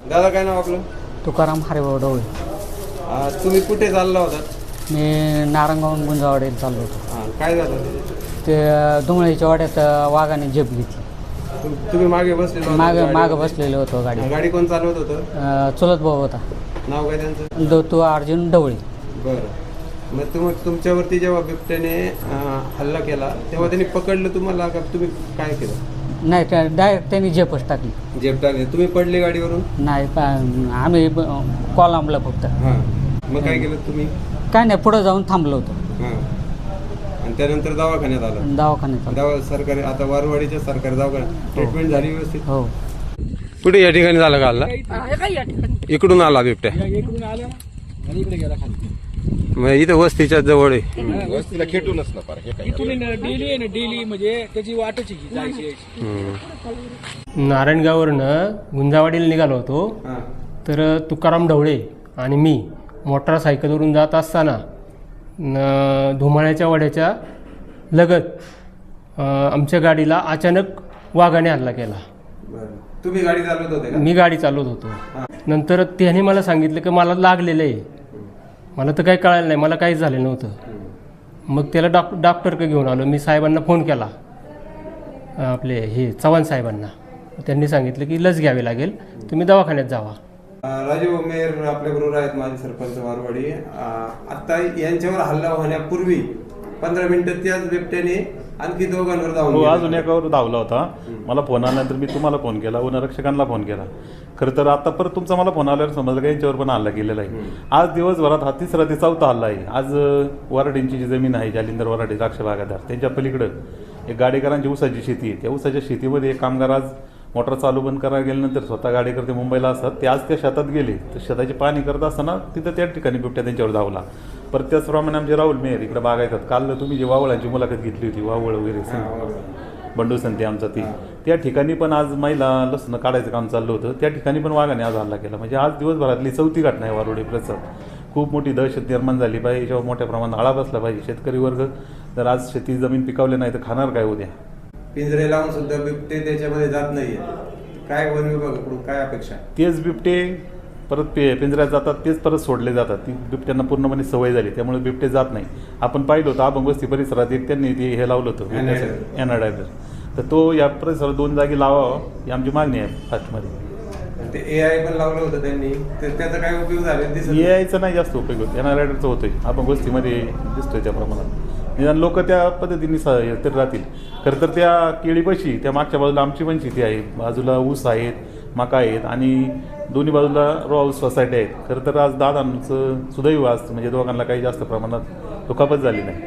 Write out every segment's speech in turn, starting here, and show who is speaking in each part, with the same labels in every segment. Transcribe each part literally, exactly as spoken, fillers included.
Speaker 1: दादा काय नाव आपलं?
Speaker 2: तुकाराम हरिभाऊ ढवळे.
Speaker 1: आ, तुम्ही कुठे चालला होता?
Speaker 2: मी नारंगावून गुंजावाडीला चाललो होतो.
Speaker 1: हां, काय झालं?
Speaker 2: ते धुमळीच्या वाड्यात वाघाने झेप घेतली.
Speaker 1: तुम- तुम्ही मागे बसले होते
Speaker 2: माग
Speaker 1: गाडीवर?
Speaker 2: माग बसलेलो होतो गाडी.
Speaker 1: गाडी कोण चालवत होतं?
Speaker 2: अं, चुलत भाऊ होता,
Speaker 1: नाव काय त्यांचं?
Speaker 2: दत्तू अर्जुन ढवळे.
Speaker 1: बरं. मग तुम तुमच्यावरती जेव्हा बिबट्याने आ, हल्ला केला तेव्हा त्यांनी पकडलं तुम्हाला का तुम्ही काय केलं?
Speaker 2: नाही, त्या डायरेक्ट त्यांनी झेपच टाकली.
Speaker 1: जेब टाकले. तुम्ही पडले गाडीवरून?
Speaker 2: नाही, पा- आम्ही कॉलमला फक्त.
Speaker 1: हां. मग काय केलं तुम्ही?
Speaker 2: काय नाही, पुढं जाऊन थांबलो होतो
Speaker 1: हां. आणि त्यानंतर दवाखान्यात आला?
Speaker 2: दवाखान्यात आलो.
Speaker 1: दवा सरकारी आता वारवाडीच्या सरकारी दवाखान्यात ट्रीटमेंट झाली व्यवस्थित?
Speaker 2: हो.
Speaker 1: कुठे या ठिकाणी झालं का हल्ला? इकडून आला बिबट्या? मग इथं वस्तीच्या जवळ आहे.
Speaker 3: वस्तीला खेटूनच ना पार हे काय
Speaker 4: इथून डेली आहे ना, डेली म्हणजे त्याची वाटच आहे की जायची यायची.
Speaker 1: हम्म.
Speaker 5: नारायणगाववरनं गुंजावाडीला निघालो होतो.
Speaker 1: हां.
Speaker 5: तर तुकाराम ढवळे आणि मी मोटारसायकलवरून जात असताना न धुमाळ्याच्या वाड्याच्या लगत अ, आमच्या गाडीला अचानक वाघाने हल्ला केला.
Speaker 1: बरं. तुम्ही गाडी चालवत होते का?
Speaker 5: मी गाडी चालवत होतो. नंतर त्याने मला सांगितलं की मला लागलेलं आहे. मला तर काही कळालं नाही, मला काहीच झालं नव्हतं. मग त्याला डॉक डॉक्टरकडे घेऊन आलो. मी साहेबांना फोन केला, आपले हे चव्हाण साहेबांना. त्यांनी सांगितलं की लस घ्यावी लागेल, तुम्ही दवाखान्यात जावा.
Speaker 1: अं, राजीव मेयर आपल्याबरोबर आहेत, माझे सरपंच वारवाडी. अं, आता यांच्यावर हल्ला होण्यापूर्वी पंधरा मिनिटं त्याच बिबट्याने आणखी दोघांवर धावून
Speaker 6: हो,
Speaker 1: गेला.
Speaker 6: अजून एकावर धावला होता. मला फोन आल्यानंतर मी तुम्हाला फोन केला, वनरक्षकांना फोन केला. खरं तर आता परत तुमचा मला फोन आल्यावर समजलं की यांच्यावर पण हल्ला केलेला आहे. आज दिवसभरात हा तिसरा ते चौथा हल्ला आहे. आज अं, वराडींची जी जमीन आहे, जालिंदर वराडी द्राक्ष बागादार, त्यांच्या पलीकडं एक गाडेकरांची ऊसाची शेती आहे. त्या ऊसाच्या शेतीमध्ये एक कामगार आज मोटर चालू बंद करायला गेल्यानंतर स्वतः गाडेकर ते मुंबईला असतात, ते आज त्या शेतात गेले. तर शेताची पाणी करत असताना तिथं त्या ठिकाणी बिबट्या त्यांच्यावर धावला. परत त्याचप्रमाणे आमचे राहुल मेयर इकडे बागायतात. काल तुम्ही जी वावळांची मुलाखत घेतली होती, वावळ वगैरे बंडू संते आमचा ती, त्या ठिकाणी पण आज महिला लसणं काढायचं काम चाललं होतं. त्या ठिकाणी पण वाघाने आज हल्ला केला. म्हणजे आज दिवसभरातली चौथी घटना आहे वारोडी प्रसाद. खूप मोठी दहशत निर्माण झाली पाहिजे, याच्यावर मोठ्या प्रमाणात आळा बसला पाहिजे. शेतकरी वर्ग जर आज शेती जमीन पिकवले नाही तर खाणार काय उद्या?
Speaker 1: पिंजरे लावून सुद्धा बिबटे त्याच्यामध्ये जात नाहीये. काय वन विभागाकडून काय अपेक्षा?
Speaker 6: तेच बिबटे परत पे पिंजऱ्यात जातात, तेच परत सोडले जातात. ती बिबट्यांना पूर्णपणे सवय झाली, त्यामुळे बिबटे जात नाही. आपण पाहिलं होतं अभंग वस्ती परिसरात एक त्यांनी ते हे लावलं होतं एनाडायझर. तर तो या परिसरात दोन जागी लावावा ही आमची मागणी आहे फास्टमध्ये.
Speaker 1: ते ए आय पण लावलं होतं त्यांनी, तर त्याचा काय उपयोग झाला दिसत
Speaker 6: ए आयचा नाही जास्त उपयोग होतो, एनाडायझरचा होतोय. अभंग वस्तीमध्ये दिसतोय त्या प्रमाणात. निदान लोक त्या पद्धतीने स तर राहतील. खरं तर त्या केळीपाशी त्या मागच्या बाजूला आमची पण शेती आहे, बाजूला ऊस आहेत, मका आहेत आणि दोन्ही बाजूला रो हाऊस सोसायटी आहेत. खरं तर आज दादांचं सुदैव आज म्हणजे दोघांना काही जास्त प्रमाणात दुखापत झाली नाही.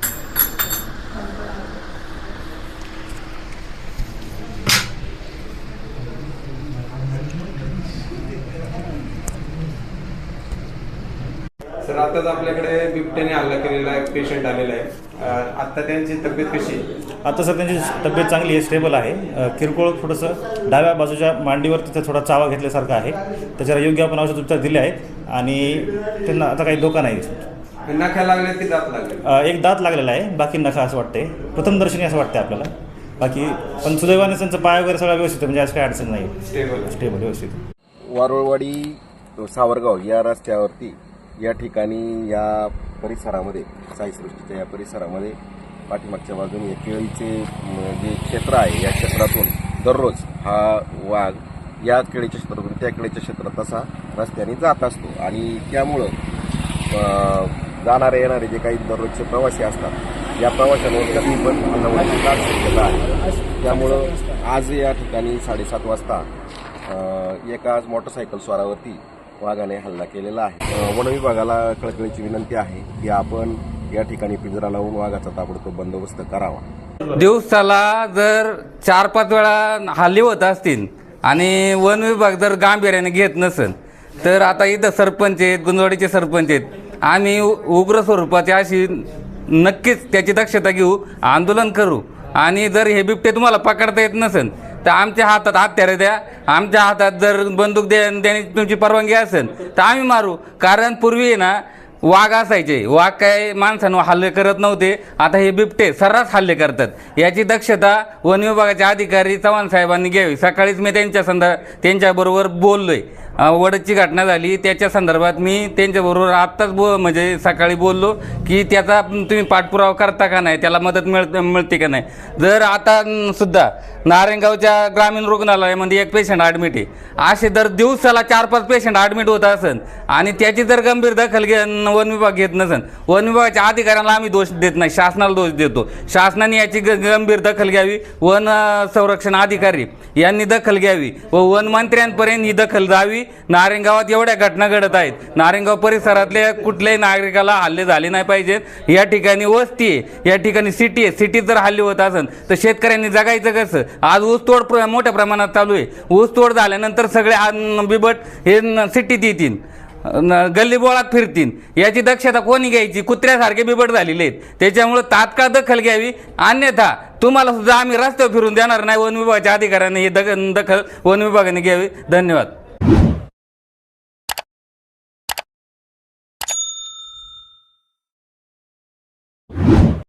Speaker 1: सर, आताच आपल्याकडे बिबट्याने हल्ला केलेला एक पेशंट आलेला आहे. अं, आता त्यांची तब्येत कशी आहे?
Speaker 7: आता सर त्यांची तब्येत चांगली आहे, स्टेबल आहे. अ, किरकोळ थोडंसं डाव्या बाजूच्या मांडीवर तिथं थोडा चावा घेतल्यासारखा आहे. त्याच्यावर योग्य आपण औषध उपचार दिले आहेत आणि त्यांना आता काही धोका नाही.
Speaker 1: नख्या लागल्या की दात लागले?
Speaker 7: अ, एक दात लागलेला आहे, बाकी नखा असं वाटते, प्रथमदर्शनी असं वाटते आपल्याला. बाकी पण सुदैवाने त्यांचं पाय वगैरे सगळं व्यवस्थित आहे, म्हणजे आज काही अडचण नाही.
Speaker 1: स्टेबल
Speaker 7: स्टेबल व्यवस्थित.
Speaker 3: वारुळवाडी सावरगाव या रस्त्यावरती या ठिकाणी या परिसरामध्ये साईसृष्टीच्या या परिसरामध्ये पाठीमागच्या बाजूने केळीचे जे क्षेत्र आहे, या क्षेत्रातून दररोज हा वाघ या केळीच्या क्षेत्रातून त्या केळीच्या क्षेत्रात तसा रस्त्याने जात असतो. आणि त्यामुळं जाणारे येणारे जे काही दररोजचे प्रवासी असतात, या प्रवाशांवर कधी पण हल्ला होण्याची दाट शक्यता आहे. त्यामुळं आज या ठिकाणी साडेसात वाजता एका मोटरसायकल स्वारावरती वाघाने हल्ला केलेला आहे. वन विभागाला कळकळीची विनंती आहे की आपण या ठिकाणी पिंजरा लावून वाघाचा ताबडतोब बंदोबस्त करावा.
Speaker 8: दिवसाला जर चार पाच वेळा हल्ले होत असतील आणि वन विभाग जर गांभीर्याने घेत नसेल तर आता इथं सरपंच आहेत, गुंजवाडीचे सरपंच आहेत, आम्ही उग्र स्वरूपाची अशी नक्कीच त्याची दक्षता घेऊ, आंदोलन करू. आणि जर हे बिबटे तुम्हाला पकडता येत नसेल तर आमच्या हातात हत्यारे द्या, आमच्या हातात जर बंदूक द्या देण्याची तुमची परवानगी असेल तर आम्ही मारू. कारण पूर्वी ना वाघ असायचे, वाघ काय माणसांवर हल्ले करत नव्हते. आता हे बिबटे सर्रास हल्ले करतात. याची दक्षता वन विभागाचे अधिकारी चव्हाण साहेबांनी घ्यावी. सकाळीच मी त्यांच्या संदर् त्यांच्याबरोबर बोललोय. वडदची घटना झाली त्याच्या संदर्भात मी त्यांच्याबरोबर आत्ताच बो म्हणजे सकाळी बोललो की त्याचा तुम्ही पाठपुरावा करता का नाही, त्याला मदत मिळ मिळते का नाही. जर आता सुद्धा नारायणगावच्या ग्रामीण रुग्णालयामध्ये एक पेशंट ॲडमिट आहे, असे दर दिवसाला चार पाच पेशंट ॲडमिट होत असन आणि त्याची जर गंभीर दखल घे वन विभाग घेत नसन, वन विभागाच्या अधिकाऱ्यांना आम्ही दोष देत नाही, शासनाला दोष देतो. शासनाने याची ग गंभीर दखल घ्यावी. वन संरक्षण अधिकारी यांनी दखल घ्यावी व वन मंत्र्यांपर्यंत ही दखल जावी. नारायणगावात एवढ्या घटना घडत आहेत, नारायणगाव परिसरातल्या कुठल्याही नागरिकाला हल्ले झाले नाही पाहिजेत. या ठिकाणी वस्ती आहे, या ठिकाणी सिटी आहे, सिटीत जर हल्ले होत असेल तर शेतकऱ्यांनी जगायचं कसं. आज ऊसतोड प्र मोठ्या प्रमाणात चालू आहे. ऊसतोड झाल्यानंतर सगळे बिबट हे सिटीत येतील, गल्लीबोळात फिरतील. याची दक्षता कोणी घ्यायची. कुत्र्यासारखे बिबट झालेले आहेत. त्याच्यामुळे तात्काळ दखल घ्यावी, अन्यथा तुम्हाला सुद्धा आम्ही रस्त्यावर फिरून देणार नाही. वन विभागाच्या अधिकाऱ्यांनी ही दखल वन विभागाने घ्यावी. धन्यवाद.